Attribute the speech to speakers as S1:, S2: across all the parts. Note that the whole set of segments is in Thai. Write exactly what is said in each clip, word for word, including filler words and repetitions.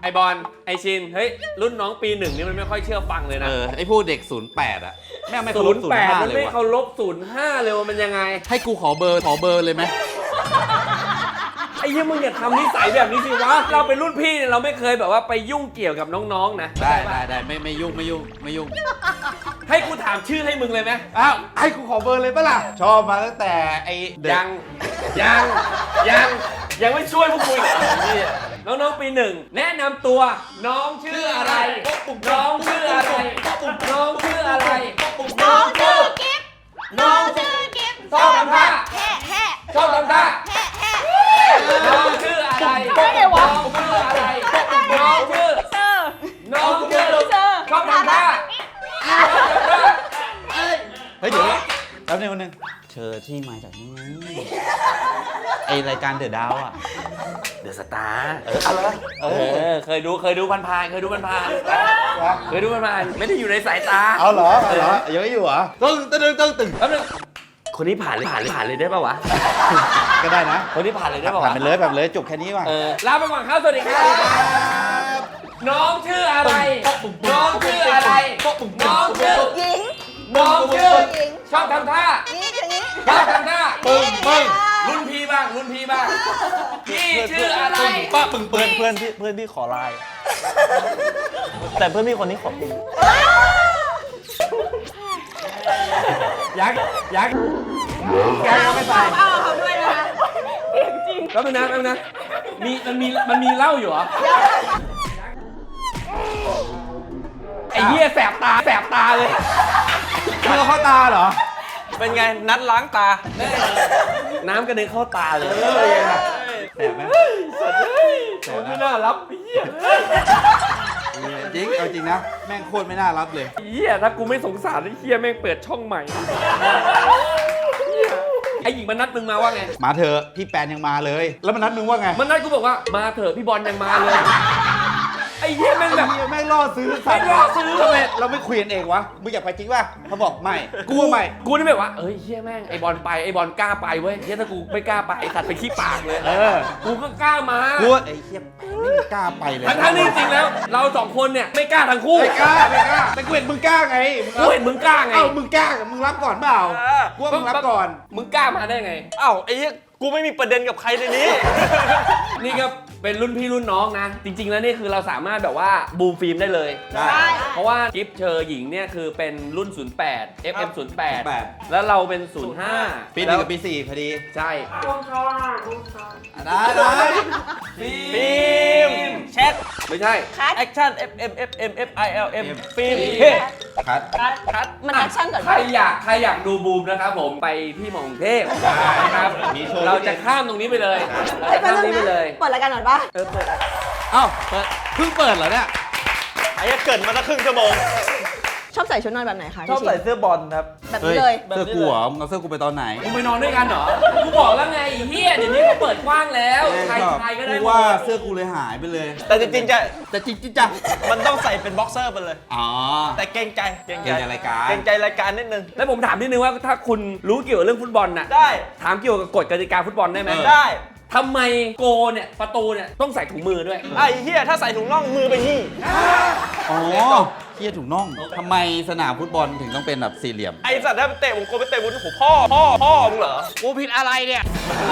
S1: ไอบอลไอชินเฮ้ยรุ่นน้องปีหนึ่งนี่มันไม่ค่อยเชื่อฟังเลยนะ
S2: เออไอพวกเด็กศูนย์แปดอะแม่งไม่เคา
S1: ศู
S2: ร
S1: น
S2: พ
S1: ย์
S2: ศูน
S1: แป
S2: ย์
S1: ด
S2: ห้า
S1: มัน
S2: เลย
S1: ไม่
S2: วะ
S1: เคารพศูนย์ห้าเลยว่ามันยังไง
S2: ให้กูขอเบอร์ขอเบอร์เลยไหม
S1: ไอ้เหี้ยมึงอย่าทำนิสัยแบบนี้สิวะเราเป็นรุ่นพี่เนี่ยเราไม่เคยแบบว่าไปยุ่งเกี่ยวกับน้องๆนะ
S2: ได้ได้ได้ไม่ไม่ยุ่งไม่ยุ่งไม่ยุ่ง
S1: ให้กูถามชื่อให้มึงเลยไหม
S2: อ้าวให้กูขอเบอร์เลยปะล่ะชอบมาตั้งแต่ไอเด็ก
S1: ยังยังยังยังไม่ช่วยพวกกูอีกเหรอเนี่ยน้องๆปีหนึ่งแนะนำตัวน้องชื่ออะไรน้องชื่ออะไรน้องชื่ออะไร
S3: น้องชื่อกิฟต์
S1: น้อง
S3: ชื่อกิฟต์
S1: ชอบทำท่า
S3: แห่แห่
S1: ชอบทำท่า
S3: แห่แห่
S1: น้องชื่ออะไร
S3: ได้ไงวะ
S1: น้องชื่ออะไรน้องชื่อ
S3: เซอร์
S1: น้องชื่อ
S3: เซอร์
S1: ชอบทำท่าชอบทำท่า
S2: เฮ้ยเดี๋ยวแป๊บนึงวันนึงเชอที่มาจากนี่ไงไอรายการเดอะดาวอะ
S1: เดอะสตาร์เอออะไรเออเคยดูเคยดูผ่านๆเคยดูผ่านๆเคยดูผ่านๆไม่ได้อยู่ในสายตา
S2: เอาเหรอเอาเหรอยังไม่อยู่เหรอตึ้งตึ้งตึ้งตึ้ง
S1: แป๊บนึงคนนี้ผ่านเลยผ่านเลยผ่านเลยได้ป่าวะ
S2: ก็ได้นะ
S1: คนนี้ผ่านเลยได้ป่าวะ
S2: ผ่านไปเลยผ่านไปเลยจบแค่นี้ว่ะ
S1: เออลาไปก่อนครับสวัสดีครับน้องชื่ออะไร น้องชื่ออะไร น้องชื่อ
S3: หญิง
S1: น้องชื่อ
S3: หญิง
S1: ชอบทำท่า
S3: นี่อย่างนี้
S1: ชอบทำท่าปึ้งปึ้งรุ่นพี่บ้างรุ่นพี่บ้างพี่ชื่ออะไร
S2: ป้าปึ้ง
S4: เพื่
S2: เปิ้
S4: อน
S2: ล
S4: เพื่อนพี่เพื่อนพี่ขอไลน์แต่เพื่อนพี่คนนี้ขอปิง
S1: ยักษ์ยักษ์ยักษ์ไม่ตาย
S3: เอาเขาด้วยนะคะ
S1: แล้วมันนะแล้วนะมีมันมีมันมีเหล้าอยู่เหรอไอ้เหี้ยแสบตาแสบตาเลย
S2: เมื่อเข้าตาเหรอ
S4: เป็นไงนัดล้างตา
S1: น้ำกระเด็นเข้าตาเลย
S2: แสบไหม
S1: สัตว์เฮ้ยคนไม่น่ารับไอ้เหี้ย
S2: จริงเอาจริงนะแม่งโคตรไม่น่ารับเลย
S1: ไอ้เหี้ยถ้ากูไม่สงสารไอ้เหี้ยแม่งเปิดช่องใหม่เหี้ยไอ้หญิงมันนัดมึงมาว่าไง
S2: มาเถอะพี่แปนยังมาเลย แล้วมันนัดมึงว่าไง
S1: มันนัดกูบอกว่ามาเถอะพี่บอลยังมาเลยไอ้เหี้ยแม่งแบบ
S2: ไอ้เหี้ยแม่งล่อซื้อสัตว์
S1: แม่งล่อซื้อ
S2: ทำไมเราไม่คุยกันเองวะมึงอยากไปจริงป่ะเขาบอกไม่กูว่าไม่
S1: กูนี่แบบว่าเอ้ยเหี้ยแม่งไอ้บอลไปไอ้บอลกล้าไปเว้ยเหี้ยถ้ากูไม่กล้าไปไอ้สัตว์ไปขี้ปากเลย
S2: เออ
S1: กูก็กล้ามา
S2: กูว่าไอ้เหี้ยไม่กล้าไปเลย
S1: ทั้งทั้งๆที่จริงๆแล้ว เราสองคนเนี่ยไม่กล้าทั้งคู่
S2: ไม่กล้าไม่กล้าแต่กูเห็นมึงกล้าไง
S1: กูเห็นมึงกล้าไง
S2: เอ้ามึงกล้ามึงรับก่อนเปล่ากูว่ามึงรับก่อน
S1: มึงกล้ามาได้ไง
S4: อ้าวไอ้เหี้ยกูไม่มีประเด็นกับใครในนี้
S1: นี่ก็เป็นรุ่นพี่รุ่นน้องนะ จริง ๆ แล้วนี่คือเราสามารถแบบว่าบูมฟิล์มได้เลย
S2: ได้
S1: เพราะว่ากิฟเชอร์หญิงเนี่ยคือเป็นรุ่น ศูนย์แปด เอฟ เอ็ม ศูนย์แปด
S2: แปด
S1: แล้วเราเป็น ศูนย์ห้า
S2: ปีหนึ่งกับปีสี่พอดี
S1: ใช่
S2: ได้ได้
S1: ฟิล์ม
S4: แชท
S1: ไม่ใช่
S3: คัด
S4: แอคชั่น F M F M F I L M ฟิล์ม
S1: เฮ้
S2: คัด
S3: คัดคัดมันแอคชั่นก่อน
S1: ใครอยากใครอยากดูบูมนะครับผมไปที่มองเทพนะครับ
S2: มีโชว์
S1: เราจะข้ามตรงนี้ไปเลยเราจะข้ามตรงนี้ไปเลย
S3: เปิดรายการหน่อยปะ
S1: เออเปิด
S2: เอ้าเปิดเพิ่งเปิดเหรอเนี่ย
S4: ไอ้เหี้ยเกิดมาตั้งครึ่งชั่วโมง
S3: ชอบใส่ชุดนอนแบบไหนคะ
S4: ชอบใส่
S3: พี่
S4: เสื้อบอลครับ
S3: ชินแบบนี้เลย
S2: เสื้อกูเหรอมึงเอาเสื้อกูไปตอนไหน
S1: มึงไปนอนด้วยกันเหรอ กูบอกแล้วไงไอ้เฮียเดี๋ยวนี้เขาเปิดกว้างแล้วใครใครก็ได้
S2: กูว่าเสื้อกูเลยหายไปเลย
S4: แต่จริงๆจะ
S2: แต่จริงๆจ้ะ
S4: มันต้องใส่เป็นบ็อกเซอร์ไปเลย
S2: อ๋อ
S4: แต่เกรงใจเกรง
S2: เกรงใจรายการ
S4: เกรงใจรายการนิดนึง
S1: แล้วผมถามนิดนึงว่าถ้าคุณรู้เกี่ยวกับเรื่องฟุตบอลน่ะ
S4: ได้
S1: ถามเกี่ยวกับกฎกติกาฟุตบอลได้ไหม
S2: เออ
S4: ได้
S1: ทำไมโกเนี่ยประตูเนี่ยต้องใส่ถุงมือด้วย
S4: ไอ้เหี้ยถ้าใส่ถุงน่องมือไปนี่
S2: อ๋อเฮียถุงน่องทำไมสนามฟุตบอลถึงต้องเป็นแบบสี่เหลี่ยม
S4: ไอ้สัตว์ถ้าไปเตะผมกลัวไปเตะบนหัวพ่อพ่อพ่อมึงเหรอ
S1: กูผิดอะไรเนี่ย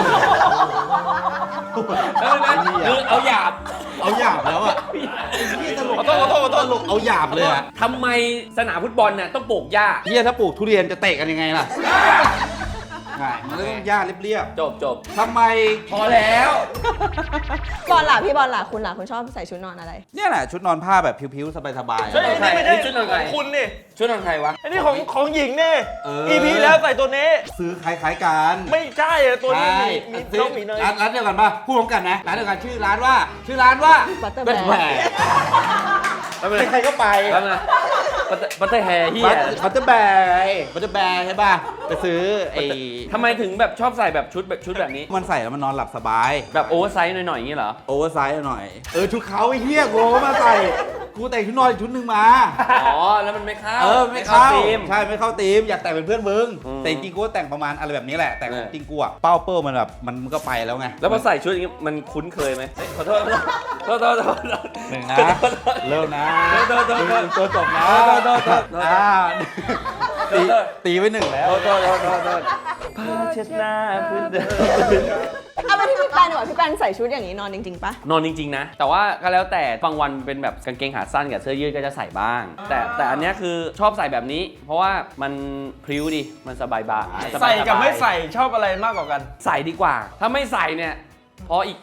S1: แล้วนะคือเอาหยาบ
S2: เอาหยาบแล้วอ่ะ
S4: ขอโทษขอโทษขอโทษ
S2: ตลกเอาหยาบเลยอ่ะ
S1: ทำไมสนามฟุตบอลเนี่ยต้องปลูกหญ้า
S2: เฮียถ้าปลูกทุเรียนจะเตะกันยังไงล่ะใช่มันก็ต้องหญ้าเรียบ
S1: จบจบ
S2: ๆทำไม
S1: พอแล้ว
S3: บอลล่ะพี่บอลล่ะคุณล่ะคุณชอบใส่ชุดนอนอะไร
S2: เนี่ยแหละชุดนอนผ้าแบบผิวๆ สบาย
S4: เฮ้ย
S1: ใช่
S4: นี่ไม่ได้
S1: ชุดอะไร
S4: ของคุณนี่
S1: ชุดนอนใครวะ
S4: ไอ้นี่ของของหญิงนี่
S2: เออ
S4: อีพีแล้วใส่ตัวนี้
S2: ๆ ซื้อคล้ายๆกัน
S4: ไม่ใช่อะตัวนี้
S2: ใช่
S4: มีมี
S2: ซื้
S4: น้องหมีเนย
S2: ร้านร้านเดียวกันป่ะพูดพร้อมกันนะร้านเดียวกันชื่อร้านว่า ชื่อร้านว่า
S3: Butter
S2: แบ
S3: Bear
S1: แล้วมัน
S2: ใครๆก็ไป
S1: แล้วนะบัตเตอร์แฮร์เฮีย
S2: บัตเตอร์แบร์ไงบัตเตอร์แบร์ใช่ป่ะไปซื้อไอ้
S1: ทำไมถึงแบบชอบใส่แบบชุดแบบชุดแบบนี้
S2: มันใส่แล้วมันนอนหลับสบาย
S1: แบบโอเวอร์ไซส์หน่อยๆอย่างนี้เหรอ
S2: โอเวอร์ไซส์หน่อย เออชุดเขาไอ้เหี้ยโง่มาใส่กูแต่งชุดนอนอีกชุดหนึ่งมา
S1: อ๋อแล้วมันไม่เข้า
S2: เออไม่เข้า
S1: ธีม
S2: ใช่ไม่เข้าธีมอยากแต่งเป็นเพื่อนมึง
S1: อืม
S2: แต่จริงๆกูก็แต่งประมาณอะไรแบบนี้แหละแต่
S1: เออ
S2: จริงๆกูอะเป้าเปิ้ลมันแบบมันก็ไปแล้วไง
S1: แล้วพอใส่ชุดอย่างงี้มันคุ้นเคยไหมเฮ้ยขอโทษขอโทษขอโทษขอโทษ
S2: หนึ่งนะเริ่มนะ
S1: โทษโทษโทษ
S2: ตัวจบนะ
S1: โทษโทษโทษโทษ
S2: อ่าตีตีไว้หนึ่งแล้ว
S1: โทษโทษโทษโทษโทษผ้าเช็ดหน้าพื้นเดิม
S3: เอาไปที่พี่แปนดีกว่าพี่แปนใส่ชุดอย่างนี้นอนจริงๆปะ
S1: นอนจริงๆนะ แต่ว่าก็แล้วแต่บางวันเป็นแบบกางเกงขาสั้นกับเสื้อยืดก็จะใส่บ้าง แต่แต่อันเนี้ยคือชอบใส่แบบนี้ เพราะว่ามันพริ้วดีมันสบายบา
S4: ใส่กับไม่ใส่ชอบอะไรมากกว่ากัน
S1: ใส่ดีกว่า ถ้าไม่ใส่เนี่ยพออีก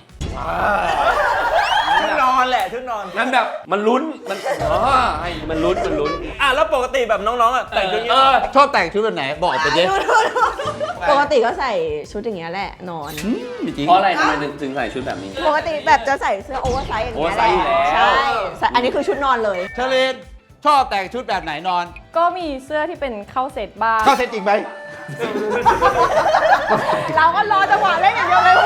S4: ชุดนอนแหละชุดนอน
S1: มันแบบมันลุ้นมันอ๋อให้มันลุ้นมันลุ้น
S4: อ่ะแล้วปกติแบบน้องๆอ่ะแต่งชุดนี้
S1: เออ
S2: ชอบแต่งชุดแบบไหนบอกไปดิ
S3: ดูดูดูปกติก็ใส่ชุดอย่างเงี้ยแหละนอน
S2: จริง
S1: เพราะอะไรทำไมถึงใส่ชุดแบบนี้
S3: ปกติแบบจะใส่เสื้อโอเวอร์ไซส์อย่างเงี้ยแหละ
S1: โอเวอร์ไซส์อยู่แล้ว
S3: ใช่ใส่อันนี้คือชุดนอนเลย
S2: เชลินชอบแต่งชุดแบบไหนนอน
S5: ก็มีเสื้อที่เป็นเข้าเซตบ้าง
S2: เข้าเซตจริงไหม
S3: เราก็รอจังหวะเล่นอย่างเดียวเลย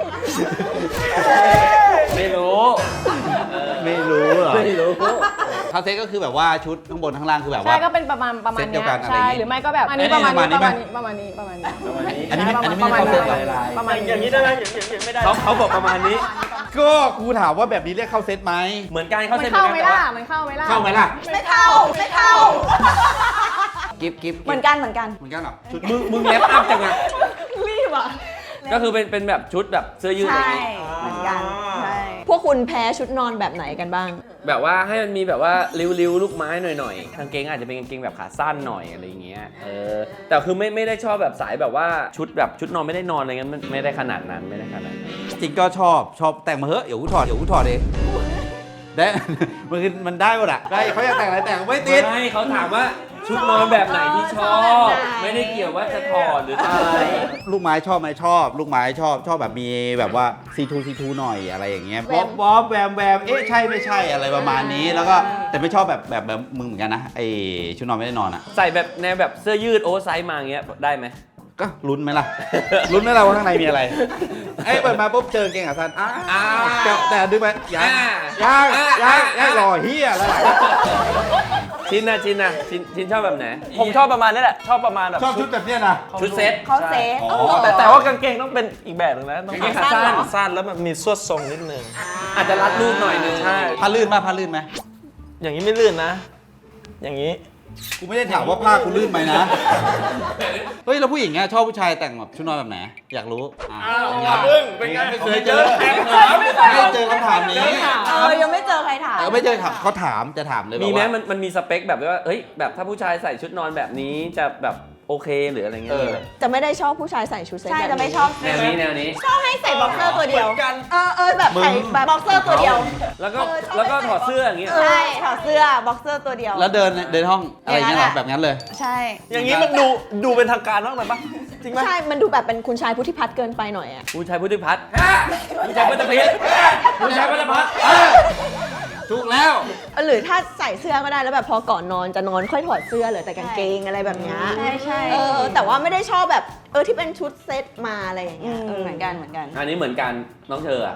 S1: ไม่รู้
S2: ไม่รู้เหรอ
S1: ไม่รู้
S2: เข้าเซตก็คือแบบว่าชุดข้างบนข้างล่างคือแบบว่า
S5: ใช่ก็เป็นประมาณประมาณ
S2: เซตเดี
S5: เนี้
S2: ยวย กันอะไรอ
S5: ใช่
S2: ย่างงี้
S5: หรือไม่ก็แบบอันนี้
S2: เอ้
S5: ป
S2: ย
S5: ระมาณนี้
S2: ประ
S5: ป
S2: มาณ
S5: ระ
S2: นี้
S5: มาณนี้ประมาณนี้ประมาณนี้
S2: อันนี้ไม่อันนี้ไม่
S5: ประมาณ
S2: เข้าเซต
S5: นี้
S2: เหรอ
S5: ประมาณ
S4: อย่างนี้ได้ไหมอย่างนี้ไม่ได้
S1: เขาเขาบอกประมาณนี้
S2: ก็กูถามว่าแบบนี้เรียกเข้าเซตไหม
S1: เหมือนกันเขา
S5: มัน
S1: เซ็น
S5: เข้า
S1: เห
S5: ไห
S1: มื
S5: ม
S1: อนกัน
S5: ล่ะ
S1: แต่ว่า
S5: มันเข้าไหมล่ะ
S2: เข้าไหมล่ะ
S3: ไม่เข้าไม่เข้า
S2: กิฟกิฟ
S3: เหมือนกันเหมือนกัน
S2: เหมือนกันเหรอชุด
S1: มึงมึงแลปอัพจังอะ
S3: รีบอ่ะ
S1: ก็คือเป็นเป็นแบบชุดแบบเสื้อยืดอะไรอ
S3: ใช่
S1: ย่างงี้
S3: เหมือนกันใช่พวกคุณแพ้ชุดนอนแบบไหนกันบ้าง
S1: แบบว่าให้มันมีแบบว่าริ้วๆลูกไม้หน่อยๆกางเกงอาจจะเป็นกางเกงแบบขาสั้นหน่อยอะไรอย่างเงี้ยเออแต่คือไม่ไม่ได้ชอบแบบสายแบบว่าชุดแบบชุดนอนไม่ได้นอนอะไรเงี้ยมันไม่ได้ขนาดนั้นไม่ได้ขนาดนั้น
S2: จริงก็ชอบชอบแต่งมาเถอะเดี๋ยวกูถอดเดี๋ยวกูถอดเองได้ มันคือมันได้หมดอะได้เขาอยากแต่งอะไรแต่งไม่ติด
S1: ไม่เขาถามว่าชุดนอนแบบไหนที่ชอบ ไม่ได้เกี่ยวว่าจะถอดหรืออะไร
S2: ลูกไม้ชอบไหมชอบ ลูกไม้ชอบชอบแบบมีแบบว่าซีทูซีทูหน่อยอะไรอย่างเงี้ย
S3: แว
S2: บ๊อ
S3: ม
S2: บบ๊อบแวมแวมเอ๊ะใช่ไม่ใช่อะไรประมาณนี้แล้วก็แต่ไม่ชอบแบบแบบแบบมึงเหมือนกันนะไอชุดนอนไม่ได้นอนอะ
S1: ใส่แบบแนวแบบเสื้อยืดโอเวอร์ไซส์มาอย่างเงี้ยได้ไหม
S2: ก็ลุ้นไหมล่ะ ลุ้นไหมล่ะว่าข้างในมีอะไรไอ้เปิดมาปุ๊บเจอเกงขาสั้นอ้า
S1: อ่า
S2: แต่แต่ดึงไปยัง
S1: อ่า
S2: ยัง
S1: อ่า
S2: ยัง
S1: อ่า
S2: ยังรอเฮียแล้วล่ะ
S1: ชินนะชินนะชินชินชอบแบบไหน
S4: ผมชอบประมาณนี้แหละชอบประมาณแบบ
S2: ชอบชุดแบบเนี้ยนะ
S1: ชุดเซต
S3: เขาเซฟ
S2: อ๋อ
S4: แต่แต่ว่ากางเกงต้องเป็นอีกแบบหนึงนะต้อง
S1: กางเกงขาสั้น
S4: สั้นแล้วมันมีสวดทรงนิดนึง
S1: อาจจะรัดรูปหน่อยนึง
S4: ใช่
S2: ผ้าลื่นมาผ้าลื่นไหม
S4: อย่างนี้ไม่ลื่นนะ อย่างนี้
S2: กูไม่ได้ถามว่าผ้ากูลื่นไหมนะ เฮ้ยแล้วผู้หญิงเนี่ยชอบผู้ชายแต่งแบบชุดนอนแบบไหนอยากรู้อ้าวอย่าพึ่งเป็นไงไม่เคยเจอไม่เคยเจอคำถามนี้
S3: เออยังไม่เจอใครถาม
S2: เออไม่เจอถามเขาถามจะถามเลย
S1: มีไหม
S2: ว่า
S1: มันมันมีสเปคแบบว่าเอ้ยแบบถ้าผู้ชายใส่ชุดนอนแบบนี้จะแบบโอเคหรืออะไรเงี้ย
S2: เออ
S3: จะไม่ได้ชอบผู้ชายใส่ชุดเซ็ต
S6: ใช่
S3: แบบ
S6: จะไม่ชอบ
S1: แนวนี้แนวนี้
S3: ชอบให้ใส่บ็อกเซอร์ตัวเดียว
S4: เหมือนกัน
S3: เออเออแบบใส่แบบบ็อกเซอร์ตัวเดียว
S1: แล้วก็
S3: เออชอบ
S1: แล้วก็ถอดเสื้ออย่างเงี้ย
S3: ใช่ถอดเสื้อบ็อกเซอร์ตัวเดียว
S2: แล้วเดินเดินห้องอะไรอย่างเงี้ยเหรอ
S6: อย่างนั้นอะ
S2: แบบนั้นเลย
S6: ใช่
S4: อย่างนี้มันดูดูเป็นทางการมากไปปะจริงไหม
S3: ใช่ มันดูแบบเป็นคุณชายพุทธิพัฒน์เกินไปหน่อยอ่ะ
S1: ผู้ชายพุทธิพัฒน์ผู้ชายพุทธิพัฒน์ผู้ชายพุทธิพัฒน์
S2: ถูกแล้ว
S3: หรือถ้าใส่เสื้อก็ได้แล้วแบบพอก่อนนอนจะนอนค่อยถอดเสื้อเหลือแต่กางเกงอะไรแบบเนี้ย
S6: ใช่ใช่
S3: เออแต่ว่าไม่ได้ชอบแบบเออที่เป็นชุดเซ็ตมาอะไรอย่างเงี้ย
S6: อืมเหมือนกันเหมือนกัน
S1: อันนี้เหมือนกันน้องเธออ่ะ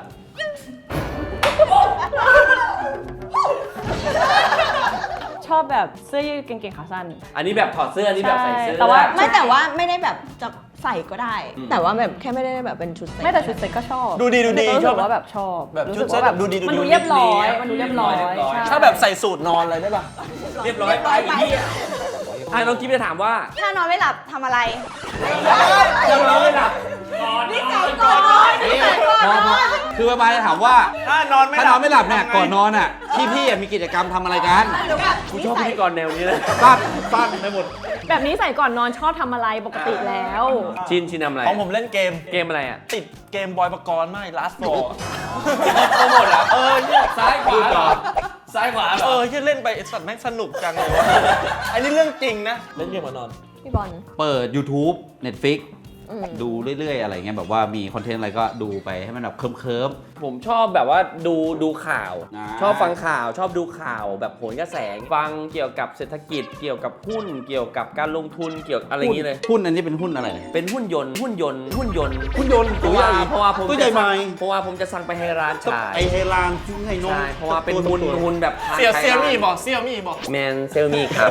S5: ชอบแบบเสื้อยืดกางเกงขาสั้น
S1: อันนี้แบบถอดเสื้ออันนี้แบบใส่เสื้อ
S5: ใช่แต่ว่า
S3: ไม่แต่ว่าไม่ได้แบบจะใส่ก็ได้
S1: อืม
S3: แต่ว่าแบบแค่ไม่ได้แบบเป็นชุดเซ็ต
S5: ไม่แต่ชุดเซ็ตก็ชอบ
S4: ดูดีดูดี
S5: รู้
S4: ช
S5: สึ
S4: อบ
S5: กว่าแบบชอบ
S4: แบบ
S5: รู้
S4: ชุ
S5: สึ
S4: ด
S5: ก
S4: เซ็ต
S5: ว่า
S4: แบ
S5: แบบ บ
S4: ดูดีดู
S5: มัน
S4: ดี
S5: ดูเรียบร้อยมันดูเรียบร้อย
S1: เรียบร้อย
S5: ใช่
S4: ถ้าแบบใส่สูตรนอนอะไรได้ปะ
S1: เรียบร้อยไปอีกทีอ่ะอ่ะน้องกิ๊บจะถามว่า
S6: ถ้านอนไม่หลับทำอะไร
S1: เรียบร้อยหลับ
S3: นี่ใส่ก่อนนอนนี่ใส่ก่อน
S2: พอน พ
S3: อ
S2: อน คือประมาณจะถามว่า
S4: ถ้านอนไม่ห
S2: ถ้า
S4: ลั
S2: น
S4: บ
S2: อนไม่หลับเนี่ยก่อนนอนอ่ะพี่พี่ๆมีกิจกรรมทำอะไรกัน
S3: หรือแบบ
S1: กูชอบพิธีกรแนวนี้เลย
S2: สั้นสั้นไปหมด
S5: แบบนี้ใส่ก่อนนอนชอบทำอะไรปกติแล้ว
S1: ชินชินทำอะไร
S4: ของผมเล่นเกม
S1: เกมอะไรอ่ะ
S4: ติดเกมบอยปกรณ์มาก last four
S1: โปรโมทอ่ะเออเนี่ยซ้ายขวาเหรอซ้ายขวาเหร
S4: เอ
S1: อ
S4: อที่เล่นไปไอ้สัตว์แม่งสนุกจังเลยวะอันนี้เรื่องจริงนะ เล่นเกมมานอน
S3: พี่บอล
S2: เปิด YouTube Netflix
S3: อืม
S2: ดูเรื่อยๆอะไรเงี้ยแบบว่ามีคอนเทนต์อะไรก็ดูไปให้มันแบบเคิร์ม
S1: ผมชอบแบบว่าดูดูข่าว
S2: อ่า
S1: ชอบฟังข่าวชอบดูข่าวแบบโหนกระแสฟังเกี่ยวกับเศรษฐกิจ เกี่ยวกับหุ้นเกี่ยวกับการลงทุนเกี่ยวกับอะไรอย่างนี้เลย
S2: หุ้นอันนี้เป็นหุ้นอะไร
S1: เป็นหุ้นยนต์หุ้นยนต์หุ้นยนต์
S2: หุ้นยนต์
S1: เพราะว่าเพราะว่าผม
S2: ตัวใหญ่ไหม
S1: เพราะว่าผมจะสั่งไปให้ร้านชาย
S2: ไอเฮลานซึ่งไห้นม
S1: ใช่เพราะว่าเป็นหุ้นหุ้นแบบ
S4: เสี่ยว
S1: ขาย
S4: เสี่ยวมี่
S1: ร้าน
S4: บอกเสี่ยวมี่บอก
S1: แมนเซลมีครับ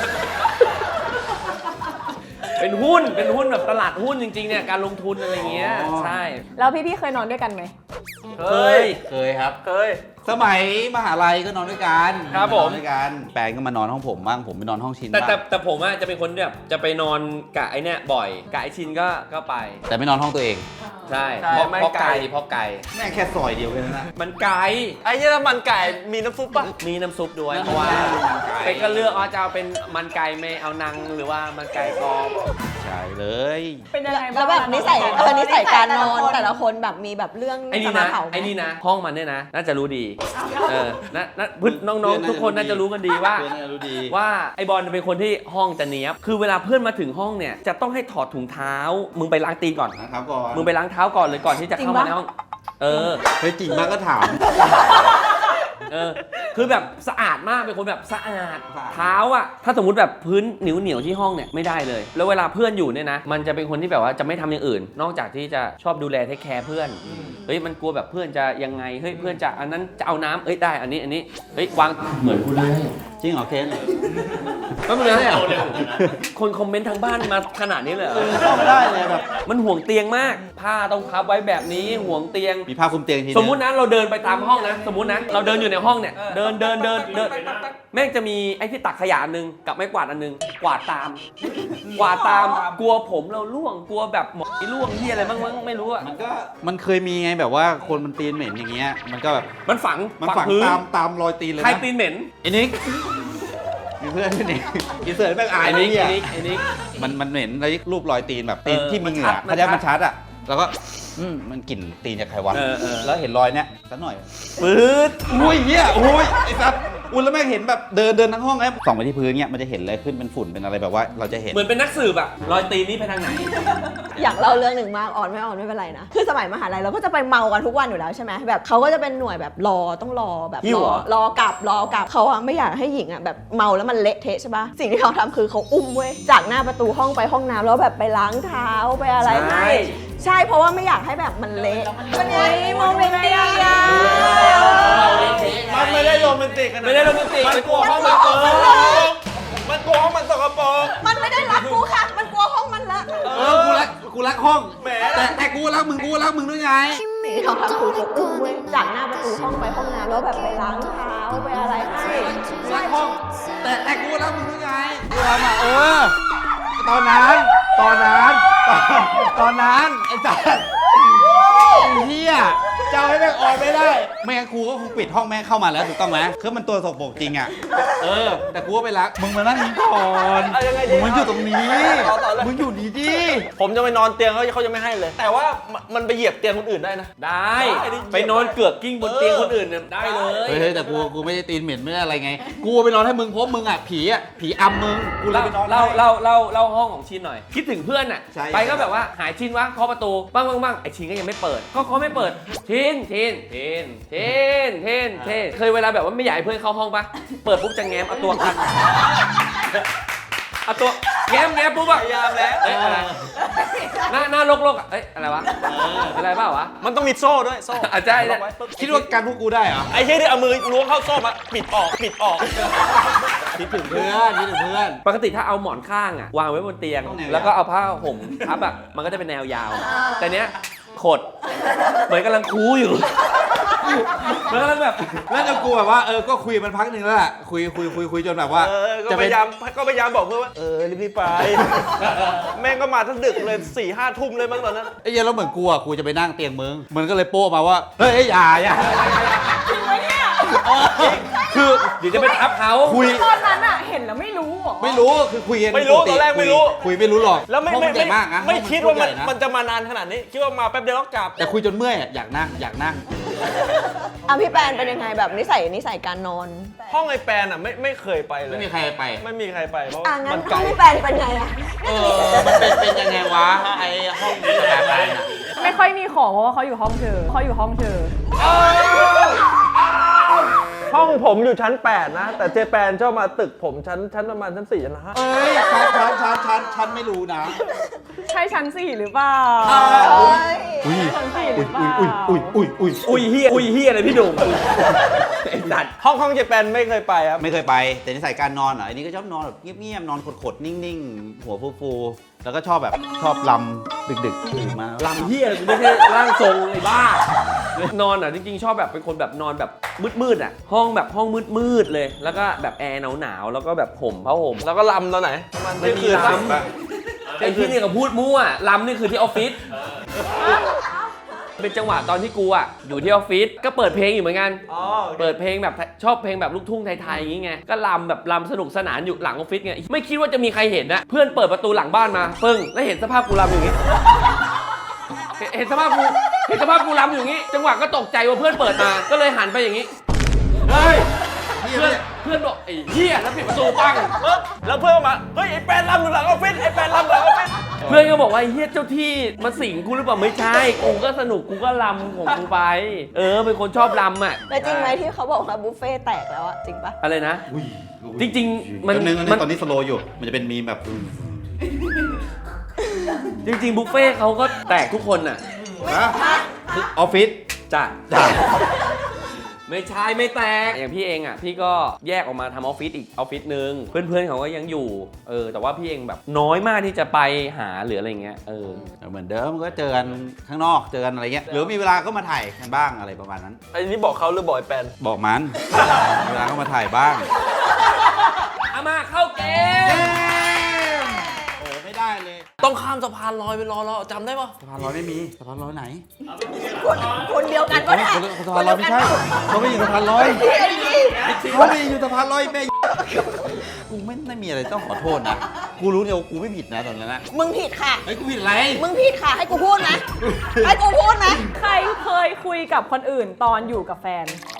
S1: เป็นหุ้นเป็นหุ้นแบบตลาดหุ้นจริงๆเนี่ยการลงทุนอะไรเงี้ยใช่
S5: แล้วพี่ๆเคยนอนด้วยกันไหม
S1: เคย
S2: เคยครับ
S4: เคย
S2: สมัยมหาลัยก็นอนด้วยกัน
S1: ครับผม
S2: นอนด้วยกันแปนก็มานอนห้องผมบ้างผมไปนอนห้องชิน
S1: แต่แต่
S2: บ้าง
S1: แต่ผมอะจะเป็นคนแบบจะไปนอนกะไอเนี่ยบ่อยกะไอชินก็ก็ไป
S2: แต่ไม่นอนห้องตัวเอง
S1: ใช่
S4: ใช่
S1: เพราะ
S4: ไม่
S1: เพราะ
S4: ไกล
S1: ไก่เพราะไก่
S2: แม่งแค่ซอยเดียวกันนะ
S1: มันไก่
S4: ไอ้เหี้ยน้ำมันไก่มีน้ำซุปป่ะ
S1: มีน้ำซุปด้วย
S2: น้ำซุป
S1: เพราะว่า
S2: มันไก่
S1: เป็นก็เลือกว่าจะเอาเป็นมันไก่ไม่เอานังหรือว่ามันไก่กรอบ
S2: ใช่เลย
S5: เป็นยังไงบ้าง
S3: แล้วแบบนิสัยเออนิสัยการนอนแต่ละคนแบบมีแบบเรื่อง
S1: ไอ้นี่
S3: จะมา
S1: นะ
S3: เผาไหม
S1: ไอ้นี่นะห้องมันเนี่ยนะน่าจะรู้ดีเออนะนะพึ่น้องๆทุกคนน่าจะรู้กันดีว่า
S2: เพื่อนน่าจะรู้ดี
S1: ว่าไอบอลเป็นคนที่ห้องจะเนี้ยบคือเวลาเพื่อนมาถึงห้องเนี่ยจะต้องให้ถอดถุงเท้า มึงไปล้างตีนก่อน
S2: นะครับก่อน
S1: มึงไปล้างเท้าก่อนเลยก่อนที่จะเข้ามาในห้อง เออ
S2: เฮ้ยจริงมากก็ถาม
S1: เออ คือแบบสะอาดมาก เป็นคนแบบสะอาด
S2: สะอาด
S1: เท้าอ่ะ ถ้าสมมติแบบพื้นเหนียวเหนียวๆที่ห้องเนี่ยไม่ได้เลย แล้วเวลาเพื่อนอยู่เนี่ยนะ มันจะเป็นคนที่แบบว่าจะไม่ทำอย่างอื่น นอกจากที่จะชอบดูแลเทคแคร์เพื่อน เฮ้ย มันกลัวแบบเพื่อนจะยังไง เฮ้ย เพื่อนจะอันนั้นจะเอาน้ำเอ้ย ได้ อันนี้ อันนี้ เฮ้ย วาง เหมือนกูเลย
S2: จริงเหรอเคน
S1: ไม่เป็นไรอ่ะคนคอมเมนต์ทางบ้านมาขนาดนี้เลยเหรอ
S2: เข้าไม่ได้เลยแบบ
S1: มันห่วงเตียงมาก ผ้าต้องพับไว้แบบนี้ ห่วงเตียง
S2: มีผ้าคลุมเตียงที
S1: สมมุตินะเราเดินไปตามห้องนะ สมมุตินะเราเดินอยู่ในห้องเนี่ยเดินเดินเดินเดินแม่งจะมีไอ้ที่ตักขยะอันนึงกับไม้กวาดอันนึงกวาดตาม กวาดตามกลัวผมเราล่วงกลัวแบบหมอนล่วงที่อะไรบ้างมั้งไม่รู้อะ
S2: มันก็มันเคยมีไงแบบว่าคนมันตีนเหม็นอย่างเงี้ยมันก็แบบ
S1: มันฝัง
S2: มันฝัง
S1: พื้น
S2: ตามตามรอยตีนเลย
S1: ใคร
S2: นะ
S1: ตีนเหม็น
S2: ไอ้นิกมีเพื่อนด้วยนี่อีเสิร์ตแม่งอาย
S1: ไอ้
S2: นะ
S1: นิก
S2: เนี่
S1: ไอ้
S2: ย
S1: นิกไอ้นิก
S2: มันมันเหม็นแล้วรูปรอยตีนแบบตีน
S1: เออ
S2: ที่มีเหงื่อ
S1: มันชัด
S2: เขาจะ
S1: มั
S2: มัน น
S1: ชั
S2: ชั
S1: ด
S2: ดอ่ะแล้วก็อืมมันกลิ่นตีนจากใครวะ
S1: เออเออ
S2: แล้วเห็นรอยเนี้ยสักหน่อย
S1: ปื๊ด
S2: อุ้ยเหี้ยโอ้ยไอ้สัสอุ้ยแล้วแม่งเห็นแบบเดินเดินทั้งห้องแล้วส่องไปที่พื้นเนี้ยมันจะเห็นอะไรขึ้นเป็นฝุ่นเป็นอะไรแบบว่าเราจะเห็น
S1: เหมือนเป็นนักสืบอะรอยตีนนี่ไปทางไหน
S3: อยากเล่าเรื่องหนึ่งมากออนไม่ออนไม่เป็นไรนะคือสมัยมหาลัยเราก็จะไปเมากันทุกวันอยู่แล้วใช่ไหมแบบเขาก็จะเป็นหน่วยแบบรอต้องรอแบบ
S1: หิ้ว
S3: ร
S1: เหร
S3: อ
S1: อ
S3: รอกลับรอกลับเขาอะไม่อยากให้หญิงอะแบบเมาแล้วมันเละเทะใช่ปะสิ่งที่เขาทำคือเขาอุ้มเว้ยจากหน้าประตูห้องไปห้องน้ำแล้วแบบไปล้างเท้าไปอะไรให้ใช่เพราะว่าไม่อยากให้แบบมันเละมันไงโมเมนต์ดีอะ
S4: มันไม่ได้โรแมนติกกันนะ
S1: ไม่ได้โรแมนติก
S4: มันกลัวห้องมันเปิดมันกลัวห้องมันสกปรก
S3: มันไม่ได้รักกูค่ะ มันกลัวห้องมันละ
S2: เออกูรักกูรักห้อง
S4: แหม
S2: แต่แต่กูรักมึงกูรักมึงด้วยไง
S3: สิ่งที่เขาทำคือเขาอุ้มเว้ยจากหน้าประตูห้องไปห้องน้ำแล้วแบบไปล้างเท้าไปอะไรให้ใช่
S2: ห้องแต่แต่กูรักมึงด้วยไงกูรักอ่ะเออ ตอนนั้น ตอนนั้น ตอนตอนนั้นไอ้จัดเฮียเจ้าให้แม่งออนไม่ได้ ไม่งั้นครูก็คงปิดห้องแม่งเข้ามาแล้วถูกต้องไหมคือมันตัวสกปรกจริงอ่ะ เออ แต่กูก็ไปรัก มึงมานั่งนี้ก่อน
S4: เอายังไงดี
S2: มึงมันอยู่ตรงนี้
S4: ต่อต่อเลย
S2: มึงอยู่ดีดิ
S4: ผมจะไปนอนเตียงเขาเขาจะไม่ให้เลย แต่ว่ามันมันไปเหยียบเตียงคนอื่นได้นะ
S1: ได้
S4: ได้ดิ
S1: ไปนอนเกือกกิ้งบนเตียงคนอื่นเนี่ยได้เลย
S2: เฮ้ยแต่กูกูไม่ได้ตีนเหม็นไม่ได้อะไรไง กูไปนอนให้มึงเพราะมึงอ่ะผีอ่ะผีอำมึง กูเลย
S1: เล่า
S2: ไปนอน
S1: เล่า
S2: ให้
S1: เล่าเล่าเล่าห้องของชินหน่อย คิดถึงเพื่อนน่ะ
S2: ใช่
S1: ไปก็แบบว่าหายชินวะเคาะประตูบ้างบ้างบ้างไอชินก็ยังไม่เปิด ก็เขาไม่เปิดชินชินชินชินชินชินเคยเวลาแบบว่าไม่อยากให้เพื่อนเข้าห้องปะเปิดปุ๊บจะแง้มเอาตัวกันเอาตัวแง้มแง้มปุ๊บอะ
S4: พยายามแล้ว
S1: เอ้ยอะไรหน้าหน้าโลกๆอะเอ้ยอะไรวะเป็นอะไรเปล่าวะ
S4: มันต้องมีโซ่ด้วยโซ่
S1: อ่ะใช่ใช่
S4: ล็อกไว้ปุ๊บ
S2: คิดว่าการพวกกูได้เหรอ
S4: ไอ้เหี้ยที่เอามือล้วงเข้าโซ่มาปิดออกปิดออก
S2: คิดถึงเพื่อนคิดถึงเพื่อน
S1: ปกติถ้าเอาหมอนข้างอะวางไว้บนเตียง
S2: ต้องแนวยาว
S1: แล้วก็เอาผ้าห่มทับอะมันก็จะเป็นแนวยาว แต่เนี้ยขดเหมือนกำลังคูอยู่เหมือนกำลังแบบ
S2: แล้วจะกูแบบว่าเออก็คุยมันพักหนึ่งแล้วแหละคุยคุยคุยคุยจนแบบว่า
S4: เออ ก็
S2: จะ
S4: พ
S2: เป็น
S4: ยายามก็พยายามบอกเพื่อนว่า เออรีบๆไป แม่งก็มาทั้งดึกเลยสี่ห้าทุ่มเลยมั้งตอนนั้น
S2: ไอ้เหี้ยแล้วเหมือนกูอ่ะกูจะไปนั่งเตียงมึงมันก็เลยโป้มาว่าเฮ้ยอย่าอย่า
S1: คือเดี๋ยวจะไปทับเขา
S2: คุย
S5: ตอนนั้นอะเห็นแล้วไม่รู้เหรอ
S2: ไม่รู้คือคุยกัน
S4: ไม่รู้
S2: ปติ
S4: ตอนแรกไม่รู้
S2: คุยคุยไม่รู้หรอก
S4: แล้วไม่
S2: ห้อง
S4: ไม่
S2: นใหญ่
S4: ไม่
S2: มากนะ
S4: ไม่
S2: ห้อง
S4: คิดว่ามัน
S2: ใหญ่ะ
S4: มันจะมานานขนาดนี้ คิดว่ามาแป๊บเดียวก็กลับ
S2: แต่คุยจนเมื่อยอะอยากนั่งอยากนั่ง
S3: อ่ะพี่แปนเป็นยังไงแบบนิสัยนิสัยการนอน
S4: ห้องไอ้แปนอ่ะไม่ไม่เคยไปเลย
S2: ไม่มีใครไป
S4: ไม่มีใครไปเพราะ
S3: อ่ะ
S4: มั
S3: งั้น
S4: น
S3: ห้
S4: ไกล
S3: องพี่แปนเป็นไงอะ
S2: เออมันเป็นเป็นยังไงวะไอ้ห้องสถาบันอะ
S5: ไม่ค่อยมีของเพราะว่าเขาอยู่ห้องเธอเขาอยู่ห้องเธอ
S4: ห้องผมอยู่ชั้นแปดนะ แต่เจแปนชอบมาตึกผมชั้นชั้นประมาณชั้นสี่ชั้นห้า
S2: เอ้ยชันชันชันชันชันไม่รู้นะ
S5: ใช่ชั้นสี่หรือเปล่า
S2: อุ้ย
S5: ชั้นสี่ห
S2: อุ้
S5: รื
S2: ย
S5: อเปล่า
S2: อุ้ยอุ้ยอุ้ยอุ้ยอุ้ย
S1: อุ้ยเฮียอุ้ยเฮียอะไรพี่หนุ่มไอ้สัตว์
S4: ห้องห้องเจแปนไม่เคยไปครับ
S2: ไม่เคยไปแต่นิสัยการนอนเหรออันนี้ก็ชอบนอนแบบเงียบๆนอนขดๆนิ่งๆ หัวฟูๆแล้วก็ชอบแบบชอบลำดึกๆตื่นมา
S1: ลำเฮียอะไรกูไม่ใช่ร่างทรงไอ้บ้า นอนอ่ะจริงๆชอบแบบเป็นคนแบบนอนแบบมืดๆอ่ะ ห้องแบบห้องมืดๆเลย แล้วก็แบบแอร์หนาวๆแล้วก็แบบห่มผ้าห่ม
S4: แล้วก็ลำตอนไหนประมาณ
S1: ไม่
S4: เที่ยง
S1: มี
S4: คืน
S1: ลำ
S4: ปะ
S1: ไอ้ที่นี่ก็พูดมั่วลำนี่คือที่ออฟฟิศเป็นจังหวะตอนที่กูอ่ะอยู่ที่ออฟฟิศก็เปิดเพลงอยู่เหมือนกัน
S4: อ๋อโอเค
S1: เปิดเพลงแบบชอบเพลงแบบลูกทุ่งไทยๆอย่างงี้ไงก็ลำแบบลำสนุกสนานอยู่หลังออฟฟิศไงไม่คิดว่าจะมีใครเห็นนะเพื่อนเปิดประตูหลังบ้านมาปึ้งแล้วเห็นสภาพกูลำอย่างงี้เห็นเห็นสภาพกูเห็นสภาพกูลำอยู่อย่างงี้ จังหวะก็ตกใจว่าเพื่อนเปิดมาก็เลยหันไปอย่างงี้เฮ้ยเพื่อนเพื่อนบอกไอ้เหี้ยแล้วปิดประตูปัง
S4: เออแล้วเพื่อนมา เฮ้ยไอ้แปนลำอยู่หลังออฟฟิศไอ้แปนลำหลังออฟฟิศ
S1: เพื่อนก็บอกว่าไอ้เฮียเจ้าที่มาสิงกูหรือเปล่าไม่ใช่กูก็สนุกกูก็ลำของกูไป เออเป็นคนชอบลำอ่ะ
S3: แต่จริงไหมที่เขาบอกว่าบุฟเฟ่ต์แตกแล้วอะจริงปะ
S1: อะไรนะ
S2: อุ้ย
S1: จริงๆมัน
S2: แป๊บนึงอัน
S1: มั
S2: นี้
S1: น
S2: ตอนนี้สโลว์อยู่ มันจะเป็นมีมแบบ
S1: จริงๆบุฟเฟ่ต์เขาก็แตกทุกคนอ่ะ
S2: ฮะออฟฟิศ
S1: จ้ะ
S2: จ้ะ
S1: ไม่ใช่ไม่แตกอย่างพี่เองอ่ะพี่ก็แยกออกมาทำออฟฟิศอีกออฟฟิศนึงเพื่อนๆเขาก็ยังอยู่เออแต่ว่าพี่เองแบบน้อยมากที่จะไปหาหรืออะไรเงี้ยเออ
S2: เหมือนเดิมก็เจอกันข้างนอกเจอกันอะไรเงี้ยหรือมีเวลาก็มาถ่ายกันบ้างอะไรประมาณนั้น
S4: ไอ้นี่บอกเขาหรือบอกไอ้แปน
S2: บอกมัน มีเวลาก็มาถ่ายบ้าง
S1: เอามาเข้าเกม
S2: โอ้ไม่ได้เลย
S4: ต้องข้ามสะพานลอยไปรอเราจำได้ปะ
S2: สะพานลอยไม่มีสะพานลอยไหน
S3: คนคนเดียวกันปะเนี่ย
S2: สะพานลอยไม่ใช่เขาไม่อยู่สะพานลอยเขาไม่อยู่สะพานลอยแม่กูไม่ได้มีอะไรต้องขอโทษนะกูรู้เดียวากูไม่ผิดนะตอนนั้นนะ
S3: มึงผิดค่ะ
S2: ไอ้ยกูผิดอะไร
S3: มึงผิดค่ะ ให้กูพูดนะ ให้กูพูดนะ
S5: ใครเคยคุยกับคนอื่นตอนอยู่กับแฟน